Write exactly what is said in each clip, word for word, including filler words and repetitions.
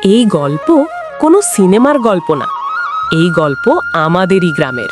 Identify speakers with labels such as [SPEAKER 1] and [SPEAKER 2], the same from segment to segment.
[SPEAKER 1] এই গল্প কোনো সিনেমার গল্প না, এই গল্প আমাদেরই গ্রামের।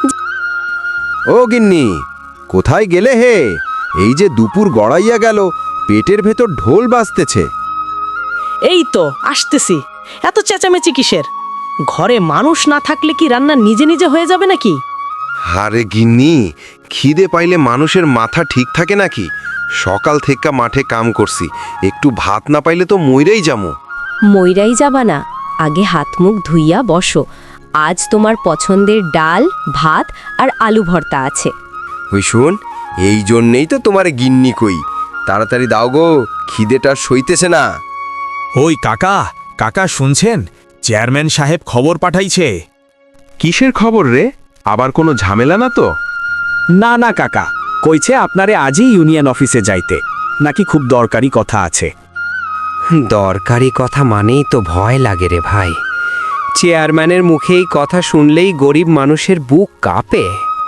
[SPEAKER 2] ও গিন্নি, কোথায় গেলে হে? এই যে দুপুর গড়াইয়া গেল, পেটের ভেতর ঢোল বাজতেছে।
[SPEAKER 1] এই তো আসতেছি। এত চেঁচামেচি কিসের? ঘরে মানুষ না থাকলে কি রান্না নিজে নিজে হয়ে যাবে নাকি?
[SPEAKER 2] আরে গিন্নি, খিদে পাইলে মানুষের মাথা ঠিক থাকে নাকি? সকাল থেকে মাঠে কাম করছি, একটু ভাত না পাইলে তো মইরাই যামু।
[SPEAKER 3] মইরাই যাবা না, আগে হাত মুখ ধুইয়া বসো। আজ তোমার পছন্দের ডাল, ভাত আর আলু ভর্তা আছে।
[SPEAKER 2] ওই শুন, এই জন্যেই তো তোমার গিন্নি কই, তাড়াতাড়ি দাও গো, খিদেটা সইতেছে না।
[SPEAKER 4] ওই কাকা, কাকা শুনছেন? চেয়ারম্যান সাহেব খবর পাঠাইছে।
[SPEAKER 5] কিসের খবর রে? আবার কোনো ঝামেলা না তো?
[SPEAKER 4] না না কাকা, কইছে আপনারে আজই ইউনিয়ন অফিসে যাইতে, নাকি খুব দরকারি কথা আছে।
[SPEAKER 6] দরকারি কথা মানেই তো ভয় লাগে রে ভাই। চেয়ারম্যানের মুখে এই কথা শুনলেই গরিব মানুষের বুক কাঁপে।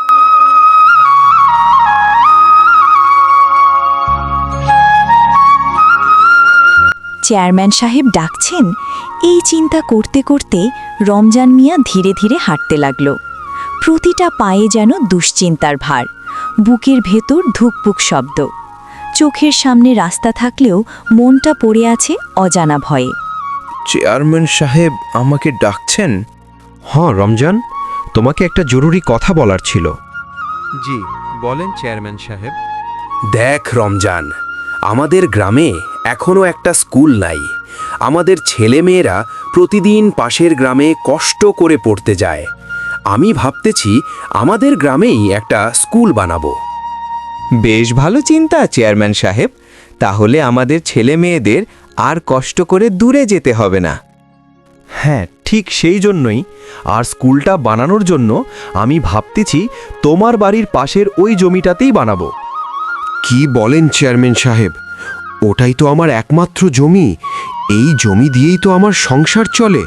[SPEAKER 7] চেয়ারম্যান সাহেব ডাকছেন, এই চিন্তা করতে করতে রমজান মিয়া ধীরে ধীরে হাঁটতে লাগল। প্রতিটা পায়ে যেন দুশ্চিন্তার ভার, বুকের ভেতর ধুকপুক শব্দ। চোখের সামনে রাস্তা থাকলেও মনটা পড়ে আছে অজানা ভয়ে।
[SPEAKER 2] চেয়ারম্যান সাহেব আমাকে ডাকছেন?
[SPEAKER 8] হ্যাঁ রমজান, তোমাকে একটা জরুরি কথা বলার ছিল।
[SPEAKER 5] জি বলেন চেয়ারম্যান সাহেব।
[SPEAKER 6] দেখ রমজান, আমাদের গ্রামে এখনো একটা স্কুল নাই। আমাদের ছেলেমেয়েরা প্রতিদিন পাশের গ্রামে কষ্ট করে পড়তে যায়। আমি ভাবতেছি আমাদের গ্রামেই একটা স্কুল বানাবো।
[SPEAKER 8] বেশ ভালো চিন্তা চেয়ারম্যান সাহেব, তাহলে আমাদের ছেলে মেয়েদের আর কষ্ট করে দূরে যেতে হবে না। হ্যাঁ, ঠিক সেই জন্যই আর স্কুলটা বানানোর জন্য আমি ভাবতেছি তোমার বাড়ির পাশের ওই জমিটাতেই বানাবো।
[SPEAKER 2] কি বলেন চেয়ারম্যান সাহেব? ওটাই তো আমার একমাত্র জমি, এই জমি দিয়েই তো আমার সংসার চলে।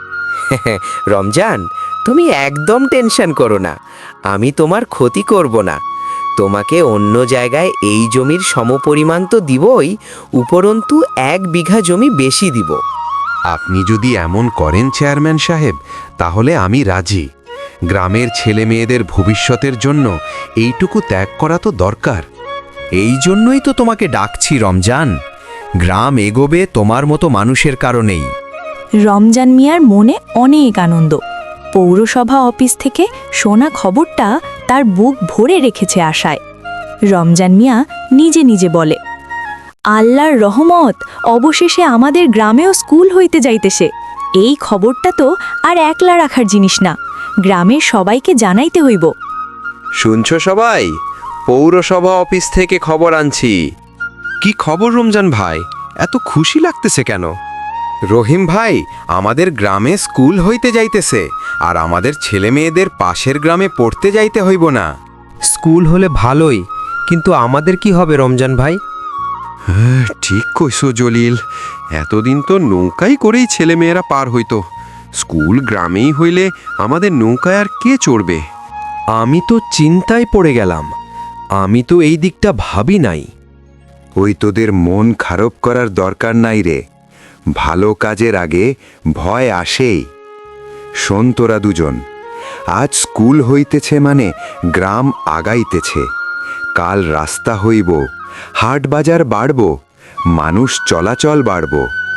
[SPEAKER 6] রমজান, তুমি একদম টেনশন করো না, আমি তোমার ক্ষতি করব না। তোমাকে অন্য জায়গায় এই জমির সমপরিমাণ তো দিবই, উপরন্তু এক বিঘা জমি বেশি দিব।
[SPEAKER 2] আপনি যদি এমন করেন চেয়ারম্যান সাহেব, তাহলে আমি রাজি। গ্রামের ছেলে মেয়েদের ভবিষ্যতের জন্য এইটুকু ত্যাগ করা তো দরকার।
[SPEAKER 8] এই জন্যই তো তোমাকে ডাকছি রমজান, গ্রাম এগোবে তোমার মতো মানুষের কারণেই।
[SPEAKER 7] রমজান মিয়ার মনে অনেক আনন্দ। পৌরসভা অফিস থেকে শোনা খবরটা তার বুক ভরে রেখেছে আশায়। রমজান মিয়া নিজে নিজে বলে, আল্লাহর রহমত, অবশেষে আমাদের গ্রামেও স্কুল হইতে যাইতেছে। এই খবরটা তো আর একলা রাখার জিনিস না, গ্রামের সবাইকে জানাইতে হইব।
[SPEAKER 2] শুনছো সবাই? পৌরসভা অফিস থেকে খবর আনছি। কি খবর রমজান ভাই, এত খুশি লাগতেছে কেন? রহিম ভাই, আমাদের গ্রামে স্কুল হইতে যাইতেছে, আর আমাদের ছেলে মেয়েদের পাশের গ্রামে পড়তে যাইতে হইব না।
[SPEAKER 8] স্কুল হলে ভালোই, কিন্তু আমাদের কি হবে রমজান ভাই?
[SPEAKER 2] হ্যাঁ, ঠিক কইছো জলিল, এতদিন তো নৌকাই করেই ছেলে মেয়েরা পার হইতো। স্কুল গ্রামেই হইলে আমাদের নৌকায় আর কে চড়বে?
[SPEAKER 8] আমি তো চিন্তায় পড়ে গেলাম, আমি তো এই দিকটা ভাবি নাই।
[SPEAKER 2] ওই তোদের মন খারাপ করার দরকার নাই রে, ভালো কাজের আগে ভয় আসেই। শোন তোরা দুজন, আজ স্কুল হইতেছে মানে গ্রাম আগাইতেছে। কাল রাস্তা হইব, হাট বাজার বাড়ব, মানুষ চলাচল বাড়ব।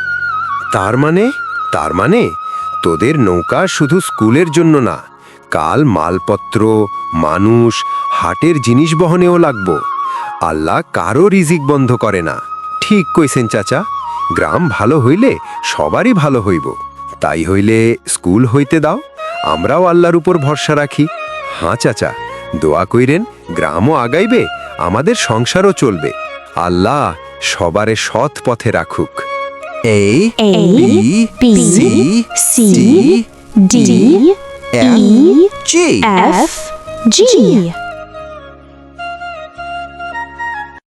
[SPEAKER 2] তার মানে তার মানে তোদের নৌকা শুধু স্কুলের জন্য না, কাল মালপত্র, মানুষ, হাটের জিনিস বহনেও লাগব। আল্লাহ কারো রিজিক বন্ধ করে না। ঠিক কইছেন চাচা, গ্রাম ভালো হইলে সবারই ভালো হইব। তাই হইলে স্কুল হইতে দাও, আমরাও আল্লাহর উপর ভরসা রাখি। হাঁ চাচা, দোয়া কইরেন, গ্রামও আগাইবে, আমাদের সংসারও চলবে। আল্লাহ সবারে সৎ পথে রাখুক।
[SPEAKER 8] A
[SPEAKER 7] A,
[SPEAKER 8] B
[SPEAKER 7] B,
[SPEAKER 8] C
[SPEAKER 7] C,
[SPEAKER 8] D
[SPEAKER 7] D,
[SPEAKER 8] F
[SPEAKER 7] E,
[SPEAKER 8] G.
[SPEAKER 7] F, G.